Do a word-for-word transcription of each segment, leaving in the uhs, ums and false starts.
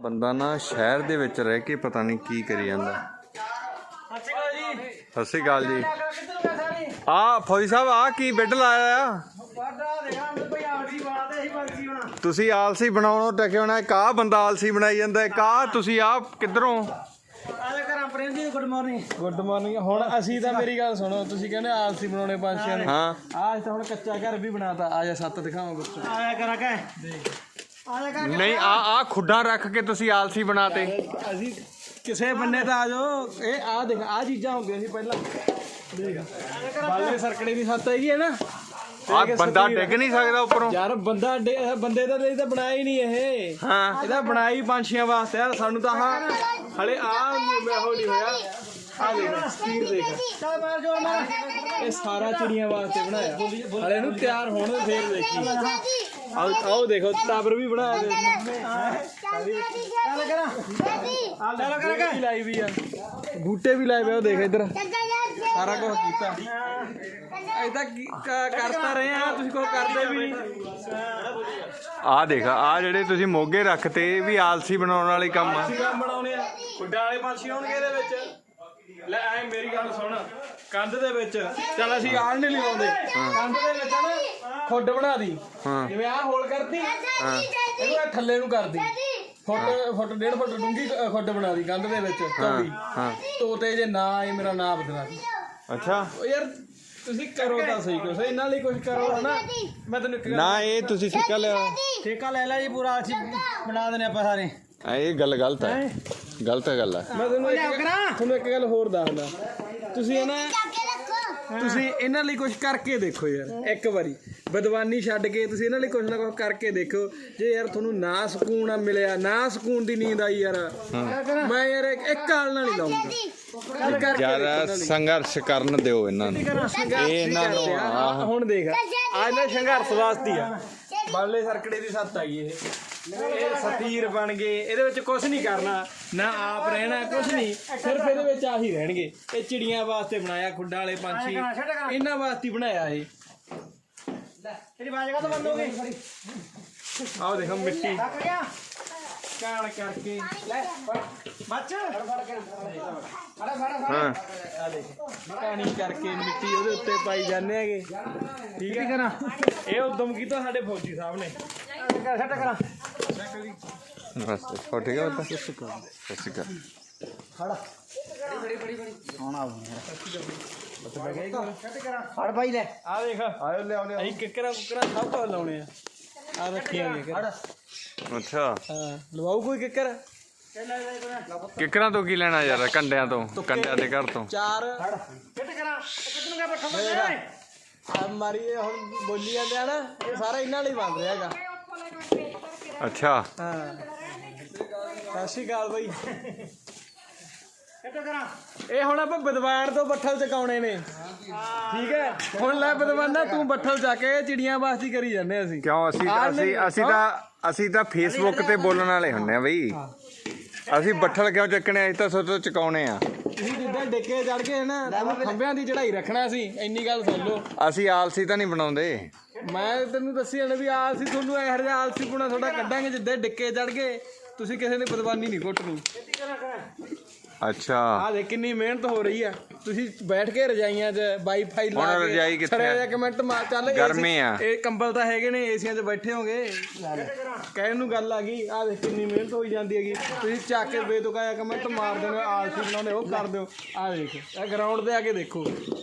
ਬੰਦਾ ਨਾ ਸ਼ਹਿਰ ਦੇ ਵਿੱਚ ਰਹਿ ਕੇ ਪਤਾ ਨਹੀਂ ਕੀ ਕਰੀ ਜਾਂਦਾ। ਸਤਿ ਸ਼੍ਰੀ ਅਕਾਲ ਜੀ। ਆ ਫੌਜੀ ਸਾਹਿਬ ਆ ਕੀ ਬੈੱਡ ਲਾਇਆ ਆ? ਤੁਸੀਂ ਆਲਸੀ ਬਣਾਉਣੋਂ ਟਕੇ ਹੋਣਾ। ਇੱਕ ਆਹ ਬੰਦਾ ਆਲਸੀ ਬਣਾਈ ਜਾਂਦਾ, ਇੱਕ ਆਹ ਤੁਸੀਂ ਆ ਕਿੱਧਰੋਂ? Good morning good morning. ਹੁਣ ਅਸੀਂ ਤਾਂ ਮੇਰੀ ਗੱਲ ਸੁਣੋ, ਤੁਸੀਂ ਕਹਿੰਦੇ ਆਲਸੀ ਬਣਾਉਣੇ ਪੰਛੀਆਂ ਨੂੰ। ਹਾਂ ਆਹ ਤਾਂ ਹੁਣ ਕੱਚਾ ਘਰ ਵੀ ਬਣਾਤਾ। ਆ ਜਾ ਸੱਤ ਦਿਖਾਵਾਂ ਬੱਚੋ। ਆਇਆ ਕਰਾ ਕੇ ਦੇਖ। ਨਹੀਂ ਆ ਆ ਖੁੱਡਾਂ ਰੱਖ ਕੇ ਤੁਸੀਂ ਆਲਸੀ ਬਣਾਤੇ। ਅਸੀਂ ਕਿਸੇ ਬੰਨੇ ਤਾਂ ਆ ਜਾਓ। ਇਹ ਆ ਦੇਖ, ਆ ਚੀਜ਼ਾਂ ਹੁੰਦੀਆਂ ਸੀ ਪਹਿਲਾਂ। ਦੇਖ ਬਾਲੇ ਸਰਕੜੇ ਦੀ ਸੱਤ ਹੈਗੀ ਹੈ ਨਾ। ਆ ਬੰਦਾ ਡਿੱਗ ਨਹੀਂ ਸਕਦਾ ਉੱਪਰੋਂ ਯਾਰ। ਬੰਦਾ ਬੰਦੇ ਦਾ ਲਈ ਤਾਂ ਬਣਾਇਆ ਹੀ ਨਹੀਂ ਇਹ। ਹਾਂ ਇਹਦਾ ਬਣਾਈ ਪੰਛੀਆਂ ਵਾਸਤੇ ਆ। ਸਾਨੂੰ ਤਾਂ ਆਹ ਹਲੇ ਆ ਹੋ ਨਹੀਂ ਹੋਇਆ। ਆ ਦੇਖ ਸਪੀਡ ਦੇਖ। ਇਹ ਸਾਰਾ ਚਿੜੀਆਂ ਵਾਸਤੇ ਬਣਾਇਆ। ਹਲੇ ਇਹਨੂੰ ਤਿਆਰ ਹੋਣ ਦੇ ਫੇਰ ਦੇਖੀ। ਆਓ ਆਓ ਦੇਖੋ ਟਾਵਰ ਵੀ ਬਣਾਇਆ। ਚੱਲ ਲਾਈ ਵੀ ਆ, ਬੂਟੇ ਵੀ ਲਾਏ ਵੇ। ਉਹ ਦੇਖ ਇੱਧਰ ਸਾਰਾ ਕੁਝ ਕੀਤਾ। ਏਦਾਂ ਕਰਤਾ ਰਹੇ ਆ, ਤੁਸੀਂ ਕੁਛ ਕਰਦੇ ਵੀ ਨਹੀਂ। ਆ ਦੇਖ ਆ ਜਿਹੜੇ ਤੁਸੀਂ ਮੋਗੇ ਰੱਖਤੇ ਇਹ ਵੀ ਆਲਸੀ ਬਣਾਉਣ ਵਾਲੇ ਕੰਮ ਆ। ਕੰਮ ਬਣਾਉਣੇ ਆ। ਖੁੱਡਾਂ ਵਾਲੇ ਪੰਛੀ ਆਉਣਗੇ ਇਹਦੇ ਵਿੱਚ। ਲੈ ਐ ਮੇਰੀ ਗੱਲ ਸੁਣ। ਕੰਧ ਦੇ ਵਿੱਚ ਚੱਲ ਅਸੀਂ ਆਣ ਨਹੀਂ ਲਾਉਂਦੇ। ਕੰਧ ਦੇ ਵਿੱਚ ਨਾ ਖੁੱਡ ਬਣਾ ਦੀ। ਜਿਵੇਂ ਆਹ ਹੋਲ ਕਰਦੀ ਇਹਨੂੰ ਥੱਲੇ ਨੂੰ ਕਰਦੀ। ਫੁੱਟ ਫੁੱਟ ਡੇਢ ਫੁੱਟ ਡੂੰਘੀ ਖੁੱਡ ਬਣਾ ਦੀ ਕੰਧ ਦੇ ਵਿੱਚ। ਚੌੜੀ ਤੋਤੇ ਜੇ ਨਾ ਆਏ ਮੇਰਾ ਨਾਂ ਬਦਲਾ ਦੀ। ਅੱਛਾ ਯਾਰ ਤੁਸੀਂ ਕਰੋ ਤਾਂ ਸਹੀ ਕੁਛ ਇਹਨਾਂ ਲਈ, ਕੁਛ ਕਰੋ ਹਨਾ। ਮੈਂ ਤੈਨੂੰ ਇੱਕ ਨਾ ਇਹ ਤੁਸੀਂ ਠੇਕਾ ਲਿਆ। ਠੇਕਾ ਲੈ ਲੈ ਜੀ ਪੂਰਾ। ਅਸੀਂ ਬਣਾ ਦੇਣੇ ਆਪਾਂ ਸਾਰੇ। ਇਹ ਗੱਲ ਗਲਤ ਹੈ, ਗਲਤ ਗੱਲ ਹੈ। ਮੈਂ ਤੁਹਾਨੂੰ ਇੱਕ ਤੁਹਾਨੂੰ ਇੱਕ ਗੱਲ ਹੋਰ ਦੱਸਦਾ। ਤੁਸੀਂ ਨਾ ਤੁਸੀਂ ਇਹਨਾਂ ਲਈ ਕੁਝ ਕਰਕੇ ਦੇਖੋ ਯਾਰ। ਇੱਕ ਵਾਰੀ ਬਦਵਾਨੀ ਛੱਡ ਕੇ ਤੁਸੀਂ ਇਹਨਾਂ ਲਈ ਕੁਝ ਨਾ ਕੁਝ ਕਰਕੇ ਦੇਖੋ। ਜੇ ਯਾਰ ਤੁਹਾਨੂੰ ਨਾ ਸਕੂਨ ਮਿਲਿਆ, ਨਾ ਸਕੂਨ ਦੀ ਨੀਂਦ ਆਈ ਯਾਰ, ਮੈਂ ਯਾਰ ਇੱਕ ਹਾਲ ਨਾਲ ਨਹੀਂ ਲਾਉਂਗਾ ਯਾਰ। ਸੰਘਰਸ਼ ਕਰਨ ਦਿਓ ਇਹਨਾਂ ਨੂੰ। ਇਹ ਇਹਨਾਂ ਨੂੰ ਹੁਣ ਦੇਖ ਆ ਇਹਨਾਂ ਸੰਘਰਸ਼ ਵਾਸਤੇ ਆ। ਬਾਲੇ ਸਰਕੜੇ ਦੀ ਸੱਤ ਆਈ ਇਹ। ਇਹ ਸਤੀਰ ਬਣ ਗਏ। ਇਹਦੇ ਵਿੱਚ ਕੁਝ ਨਹੀਂ ਕਰਨਾ, ਨਾ ਆਪ ਰਹਿਣਾ, ਕੁਝ ਨਹੀਂ। ਸਿਰਫ ਇਹਦੇ ਵਿੱਚ ਆਹੀ ਰਹਿਣਗੇ। ਇਹ ਚਿੜੀਆਂ ਵਾਸਤੇ ਬਣਾਇਆ, ਖੁੱਡਾਂ ਵਾਲੇ ਪੰਛੀ ਇਹਨਾਂ ਵਾਸਤੇ ਬਣਾਇਆ ਇਹ। ਤੇਰੀ ਬਾਜ ਕਾ ਤਾਂ ਬੰਦ ਹੋ ਗਈ। ਆਓ ਦੇਖੋ ਮਿੱਟੀ ਕਾਣ ਕਰਕੇ ਲੈ ਬੱਚ ਫੜ ਫੜ ਹਾਂ ਆ ਦੇਖ ਕਾਣੀ ਕਰਕੇ ਮਿੱਟੀ ਉਹਦੇ ਉੱਤੇ ਪਾਈ ਜਾਂਦੇ ਹੈਗੇ। ਠੀਕ ਹੈ ਨਾ। ਇਹ ਉਦਮ ਕੀਤਾ ਸਾਡੇ ਫੌਜੀ ਸਾਹਿਬ ਨੇ। ਸੈੱਟ ਕਰਾਂ ਬਸ ਹੋ ਠੀਕ ਹੈ। ਸਤਿ ਸ਼੍ਰੀ ਅਕਾਲ। ਸਤਿ ਸ਼੍ਰੀ ਅਕਾਲ। ਫੜ ਬੜੀ ਬੜੀ ਬੜੀ ਸੋਹਣਾ ਫੜ ਭਾਈ ਲੈ। ਆ ਦੇਖ ਆਇਓ ਲਿਆਓ ਲਿਆਓ। ਅਸੀਂ ਕਿੱਕਰਾਂ ਕੁੱਕਰਾਂ ਸਭ ਤੋਂ ਲਾਉਣੇ ਆ। ਆ ਰੱਖੀਆਂ ਫੜ। ਅੱਛਾ ਹਾਂ ਲਵਾਉ ਕੋਈ ਕਿੱਕਰ। ਕਿੱਕਰਾਂ ਤੋਂ ਕੀ ਲੈਣਾ ਯਾਰ? ਕੰਡਿਆਂ ਤੋਂ, ਕੰਡਿਆਂ ਦੇ ਘਰ ਤੋਂ। ਚਾਰ ਫਿੱਟ ਕਰਾਂ ਕਿੱਧਰ ਨੂੰ ਬੱਠਾ ਆ ਮਾਰੀ। ਹੁਣ ਬੋਲੀ ਜਾਂਦੇ ਆ ਨਾ, ਇਹ ਸਾਰਾ ਇਹਨਾਂ ਲਈ ਬਣ ਰਿਹਾ ਹੈਗਾ। ਅੱਛਾ ਹਾਂ ਸਤਿ ਸ਼੍ਰੀ ਅਕਾਲ ਬਾਈ। ਇਹ ਹੁਣ ਆਪਾਂ ਬਦਵਾਨ ਤੋਂ ਬੱਠਲ ਚਕਾਉਣੇ ਨੇ। ਠੀਕ ਹੈ ਹੁਣ ਲੈ ਬਦਵਾਨਾ ਤੂੰ ਬੱਠਲ ਚੱਕ ਕੇ ਚਿੜੀਆਂ ਵਾਸਤੇ ਕਰੀ ਜਾਂਦੇ ਅਸੀਂ। ਕਿਉਂ? ਅਸੀਂ ਅਸੀਂ ਅਸੀਂ ਤਾਂ ਅਸੀਂ ਤਾਂ ਫੇਸਬੁੱਕ ਤੇ ਬੋਲਣ ਵਾਲੇ ਹੁੰਦੇ ਆ ਬਈ। ਅਸੀਂ ਬੱਠਲ ਕਿਉਂ ਚੱਕਣੇ? ਅਸੀਂ ਤਾਂ ਸੋਚੋ ਚਕਾਉਣੇ ਆ। ਤੁਸੀਂ ਜਿੱਦਾਂ ਡਿੱਕੇ ਚੜ ਗਏ ਨਾ, ਖੰਭਿਆਂ ਦੀ ਚੜਾਈ ਰੱਖਣਾ ਸੀ। ਇੰਨੀ ਗੱਲ ਸੁਣ ਲਓ। ਅਸੀਂ ਆਲਸੀ ਤਾਂ ਨਹੀਂ ਬਣਾਉਂਦੇ। ਮੈਂ ਤੈਨੂੰ ਦੱਸੀ ਜਾਣਾ ਵੀ ਆਲਸੀ ਤੁਹਾਨੂੰ ਇਹੋ ਜਿਹਾ ਆਲਸੀ ਪੁਣਾ ਤੁਹਾਡਾ ਕੱਢਾਂਗੇ। ਜਿੱਦਾਂ ਡਿੱਕੇ ਚੜ ਗਏ ਤੁਸੀਂ ਕਿਸੇ ਨੇ ਬਦਵਾਨੀ ਨਹੀਂ ਘੁੱਟਣੀ। ਅੱਛਾ ਆ ਦੇਖ ਕਿੰਨੀ ਮਿਹਨਤ ਹੋ ਰਹੀ ਆ। ਤੁਸੀਂ ਬੈਠ ਕੇ ਰਜਾਈਆਂ 'ਚ ਵਾਈਫਾਈ ਲਾ ਕੇ ਰਜਾਈ ਕਿੱਥੇ ਛੜਿਆ ਜਿਹਾ ਕਮੈਂਟ ਮਾਰ। ਚੱਲ ਗਰਮੀ ਆ। ਇਹ ਕੰਬਲ ਤਾਂ ਹੈਗੇ ਨੇ, ਏਸੀਆਂ 'ਚ ਬੈਠੇ ਹੋਗੇ। ਕਹਿਣ ਨੂੰ ਗੱਲ ਆ ਗਈ। ਆ ਦੇਖ ਕਿੰਨੀ ਮਿਹਨਤ ਹੋਈ ਜਾਂਦੀ ਹੈਗੀ। ਤੁਸੀਂ ਚੱਕ ਕੇ ਬੇਤੁਕਾ ਜਿਹਾ ਕਮੈਂਟ ਮਾਰ ਦਿੰਦੇ ਹੋ, ਆਲਸੀ ਬਣਾਉਂਦੇ ਉਹ ਕਰ ਦਿਓ। ਆ ਦੇਖ ਇਹ ਗਰਾਊਂਡ 'ਤੇ ਆ ਕੇ ਦੇਖੋ।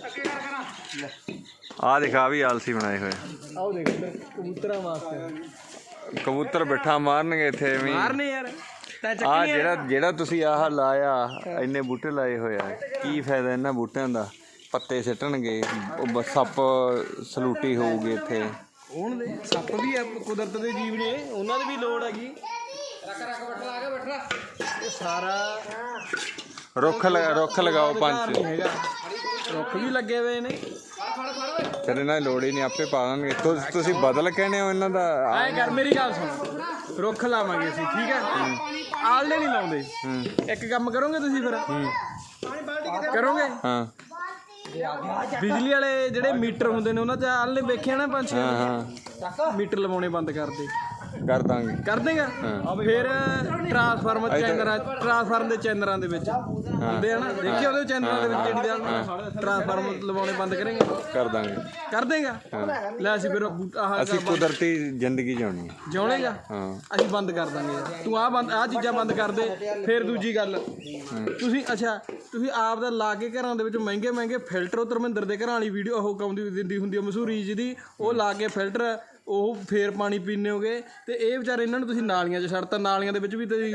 ਆ ਦਿਖਾ ਵੀ ਆਲਸੀ ਬਣਾਏ ਹੋਏ। ਆਓ ਦੇਖ ਇੱਧਰ ਕਬੂਤਰਾਂ ਵਾਸਤੇ ਕਬੂਤਰ ਬਿੱਠਾ ਮਾਰਨਗੇ ਇੱਥੇ ਐਵੇਂ ਮਾਰਨੇ ਯਾਰ। ਆ ਜਿਹੜਾ ਜਿਹੜਾ ਤੁਸੀਂ ਆਹ ਲਾਇਆ, ਇੰਨੇ ਬੂਟੇ ਲਾਏ ਹੋਏ ਆ, ਕੀ ਫਾਇਦਾ ਇਹਨਾਂ ਬੂਟਿਆਂ ਦਾ? ਪੱਤੇ ਸਿੱਟਣਗੇ, ਉਹ ਸੱਪ ਸਲੂਟੀ ਹੋਊਗੀ ਇੱਥੇ। ਹੁਣ ਦੇ ਸੱਪ ਵੀ ਆ, ਕੁਦਰਤ ਦੇ ਜੀਵ ਨੇ, ਉਹਨਾਂ ਦੀ ਵੀ ਲੋੜ ਹੈਗੀ। ਰੱਖ ਰੱਖ ਬੱਠਾ ਲਾ ਕੇ ਬੱਠਾ। ਇਹ ਸਾਰਾ ਰੁੱਖ ਰੁੱਖ ਲਗਾਓ ਪੰਜ। ਹੈਗਾ ਰੁੱਖ ਵੀ ਲੱਗੇ ਹੋਏ ਨੇ। ਫਿਰ ਇਹਨਾਂ ਦੀ ਲੋੜ ਹੀ ਨਹੀਂ, ਆਪੇ ਪਾ ਦੇਣਗੇ। ਤੁਸੀਂ ਬਦਲ ਕਹਿੰਦੇ ਹੋ ਇਹਨਾਂ ਦਾ। ਐਂ ਕਰ ਮੇਰੀ ਗੱਲ ਸੁਣ, ਰੁੱਖ ਲਾਵਾਂਗੇ ਅਸੀਂ। ਠੀਕ ਹੈ ਆਲਣੇ ਨਹੀਂ ਲਾਉਂਦੇ। ਇੱਕ ਕੰਮ ਕਰੋਗੇ ਤੁਸੀਂ ਫਿਰ ਕਰੋਗੇ। ਹਾਂ ਬਿਜਲੀ ਵਾਲੇ ਜਿਹੜੇ ਮੀਟਰ ਹੁੰਦੇ ਨੇ ਉਹਨਾਂ 'ਚ ਆਲਣੇ ਵੇਖਿਆ ਨਾ ਪੰਜ ਛੇ ਮੀਟਰ ਲਵਾਉਣੇ ਬੰਦ ਕਰਦੇ। ਕਰ ਦਾਂਗੇ ਕਰ ਦੇਗਾ ਫਿਰ ਟਰਾਂਸਫਾਰਮਰ ਚੈਨਰਾਂ ਟਰਾਂਸਫਾਰਮਰ ਦੇ ਚੈਨਰਾਂ ਦੇ ਵਿੱਚ ਹੁੰਦੇ ਆ ਨਾ ਦੇਖਿਆ ਉਹਦੇ ਚੈਨਰਾਂ ਦੇ ਵਿੱਚ ਜਿਹੜੀ ਟਰਾਂਸਫਾਰਮਰ ਲਵਾਉਣੇ ਬੰਦ ਕਰਾਂਗੇ ਕਰ ਦਾਂਗੇ ਕਰ ਦੇਗਾ ਲੈ ਅਸੀਂ ਫਿਰ ਆਹ ਅਸੀਂ ਕੁਦਰਤੀ ਜ਼ਿੰਦਗੀ ਜਿਉਣੀ ਹੈ ਜਿਉਣੇਗਾ ਹਾਂ ਅਸੀਂ ਬੰਦ ਕਰ ਦਾਂਗੇ ਤੂੰ ਆਹ ਬੰਦ ਆਹ ਚੀਜ਼ਾਂ ਬੰਦ ਕਰ ਦੇ ਫਿਰ ਦੂਜੀ ਗੱਲ ਤੁਸੀਂ ਅੱਛਾ ਤੁਸੀਂ ਆਪ ਦਾ ਲਾ ਕੇ ਘਰਾਂ ਦੇ ਵਿੱਚ ਮਹਿੰਗੇ ਮਹਿੰਗੇ ਫਿਲਟਰ ਉਹ ਧਰਮਿੰਦਰ ਦੇ ਘਰਾਂ ਵਾਲੀ ਵੀਡੀਓ ਉਹ ਕਾਉਂਦੀ ਦਿੰਦੀ ਹੁੰਦੀ ਆ ਮਸ਼ਹੂਰੀ ਜਿਹਦੀ ਉਹ ਲਾ ਕੇ ਫਿਲਟਰ ਉਹ ਫੇਰ ਪਾਣੀ ਪੀਂਦੇ ਹੋਗੇ ਤੇ ਇਹ ਵਿਚਾਰੇ ਇਹਨਾਂ ਨੂੰ ਤੁਸੀਂ ਨਾਲੀਆਂ 'ਚ ਛੱਡਤਾ ਨਾਲੀਆਂ ਦੇ ਵਿੱਚ ਵੀ ਤੁਸੀਂ